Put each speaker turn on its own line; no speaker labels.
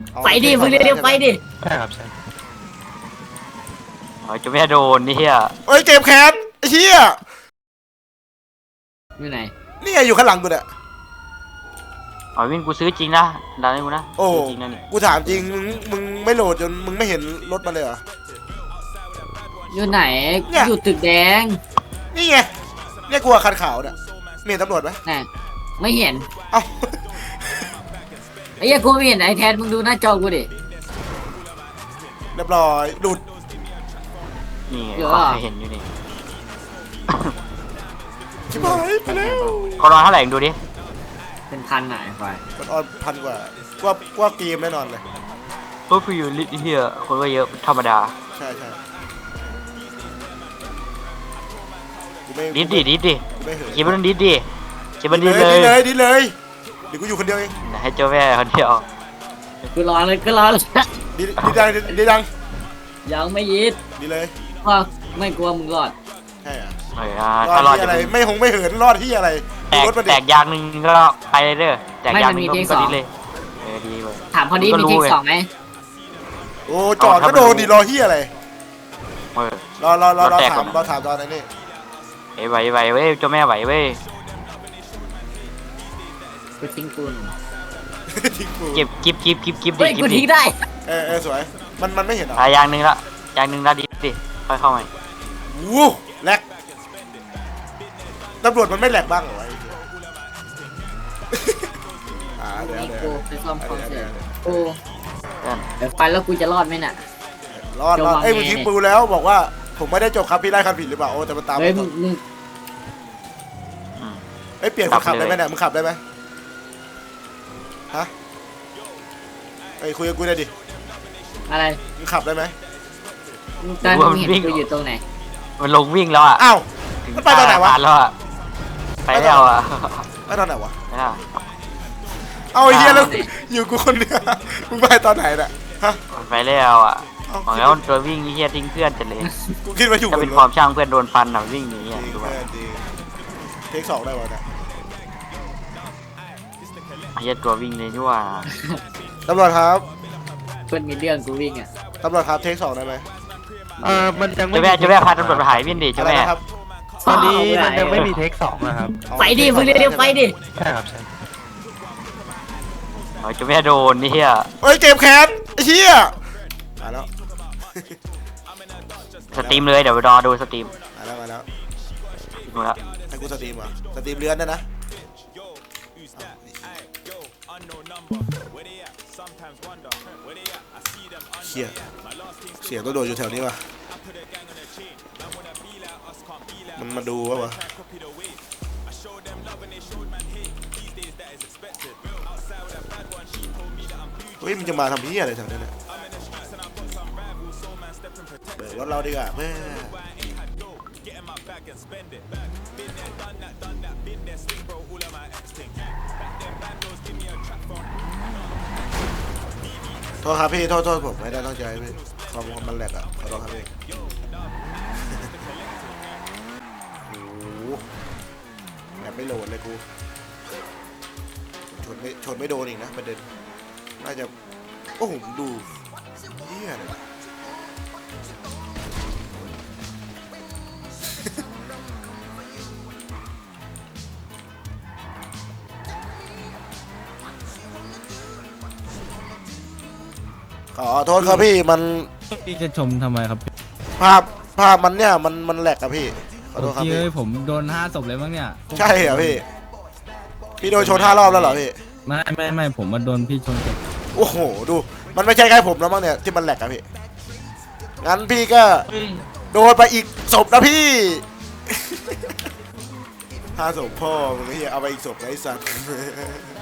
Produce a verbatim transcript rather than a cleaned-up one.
ไปดิมึงเร็วๆไปดิ
ใช่ครับใช่
โอ้ยจะไม่โดนนี่เฮีย
เอ้ยเกมแคสไอ้เหี้ย
อยู่ไหน
นี่ไงอยู่ข้างหลังกูเนี่ย
อ๋อวิ่งกูซื้อจริงนะดันให้กูนะ
โอ้
จริงนะนี่
กูถามจริงมึงมึงไม่โหลดจนมึงไม่เห็นรถมาเลยเหรอ
อยู่ไหนอยู่ตึกแดง
นี่ไงเนี่ยกูคันขาวเนี่ยมีเห็นตำรวจไหม
น่ไม่เห็น
เอ้า
ไอ้ยังกูไม่เห็นไอ้แทนมึงดูหน้าจอกูดิ
เรียบร้อยดูด
นี่เห็นอยู่นี่
ชิบหายไปแล้ว
ก็รอเท่าไหร่ดูดิ
เป็นพันไหนไฟ
มันออนพันกว่าว่าว่าเกมแน่นอนเลย
ตัวฟิวลิเฮียคนก็เยอะธรรมดา
ใช่ใช่
ดิดดิดิดดิคิดว่าดิดดิคิดว่าดิด
เลยดิเลยดิเลยเดี๋ยวกูอยู่คนเดียวเอง
ให้เจ้าแม่คนเดียว
กูรอเลยกูรอเลย
ดิดิดังดิดัง
ยังไม่ยิด
ดิเลย
ว่าไม่กลัวมึงรอด
ใช่อะ
ถ้ารอด
อะไรไม่หงไม่เหินรอดที่อะไร
แตกแตกยางหนึ่งก็ไปเลยเด้อแตกยางหนึ่งก็ดิเลยเออดีเลย
ถามพอดีมีเทคสองไหม
โอ้จอดก็โดนดิรอที่อะไรรอรอรอรอถามรอถามตอนนี้
ไอ้ไหวไหวเว้ยเจ้าแม่ไหวเว้ย
กูทิ้งกู
ทิ้งกู
เก็บกิบกิบกิบกิบ
ดิกูทิ้งได้
เออเออสวยมันมันไม่เห็นหรอ
ตายยางหนึ่งละยางหนึ่งละดิดิค่อยเข้ามา
วู้แหลกตำรวจมันไม่แหลกบ้างเหรอไอ้อ่าเดี๋ยวเดี๋ยว
ไปซ่อมคอนเสิร์ตกูเดี๋ยวไปแล้วกูจะรอดไหมน่ะ
รอดรอดเอ้ยมึงทิ้งปูแล้วบอกว่าผมไม่ได้จบครับพี่ได้คันผิดหรือเปล่าโอ้แต่มันตาม
เฮ้ยมึง
เอ้ยเปลี่ยนคนขับได้ไหมเนี่ยมึงขับได้ไหมฮะไอ้คุยกับกูได้ดิ
อะไร
มึงขับได้ไหม
ตอนมึงเห็นกูอยู่ตรงไหน
มันลงวิ่งแล้วอ่ะ
อ้าวมันไปตอนไหนวะ
แล้วอ่ะไปแล้วอ่ะ
ไปตอนไหนวะเอาไอ้เหี้ยแล้วอยู่กูคนเดียวมึงไปตอนไหนน่ะฮะ
ไปแล้วอ่ะของแล้วตัววิ่งเหี้ยทิ้งเพื่อนจะเลย
กูคิดว่าอยู่
จะเป็นความช่างเพื่อนโดนฟันหน่ะวิ่งหนีอ่ะดูว่า
เทคสองได้วะเนี่ย
เหี้ยตัววิ่งเลยด้วยว่า
ตำรวจครับ
เพื่อนมีเรื่องกูวิ่งอ่ะ
ตำรวจครับเทคสองได้ไหม
เออมันยังไม่
จะแม่จะแม่พาตำรวจไปหายวิ่งดิจะแม่
ตอนนี้มันยังไม่มีเทคสองนะครับ
ไปดิมึงเร็วๆไปดิ
ใช่ครับใช่
โอ้ยจะแม่โดนนี่เฮีย
เอ้ยเกมแคสไอ้เหี้ยมาแล้ว
สตรีมเลยเดี๋ยวรอดูสตรีม
มาแล้วมาแล้ว
มาแล้ว
ให้กูสตรีมอ่ะสตรีมเลื่อนได้นะเชี่ยเสียงต้องโดนอยู่แถวนี้ว่ะมันมาดูวะวะเฮ้ยมันจะมาทำพี่อะไรแถวนี้เนี่ยเบิกรถเราดีกว่าเพื่อโทษครับพี่โทษโทษผมไม่ได้ตั้งใจพี่ความมันแหลกอ่ะขอโทษครับพี่โอ้โหแบบไม่โหลดเลยกูชนไม่ชนไม่โดนอีกนะประเด็นน่าจะโอ้โหดูเหี้ยเลยขอโทษครับพี่มัน
พี่จะชมทำไมครับ
ภาพภาพมันเนี่ยมันมันแหลกครับพี่ขอโทษครับพี่
ผมโดนห้าศพเลยมั้งเนี่ย
ใช่เหรอพี่พี่โดนชนห้ารอบแล้วเหรอพี่
ไม่ไม่ไม่ผมมาโดนพี่ชน
โอ้โหดูมันไม่ใช่แค่ผมแล้วมั้งเนี่ยที่มันแหลกครับพี่งั้นพี่ก็โดนไปอีกศพนะพี่ห้าศพพ่อมึงเฮียเอาไปอีกศพไอ้สัตว์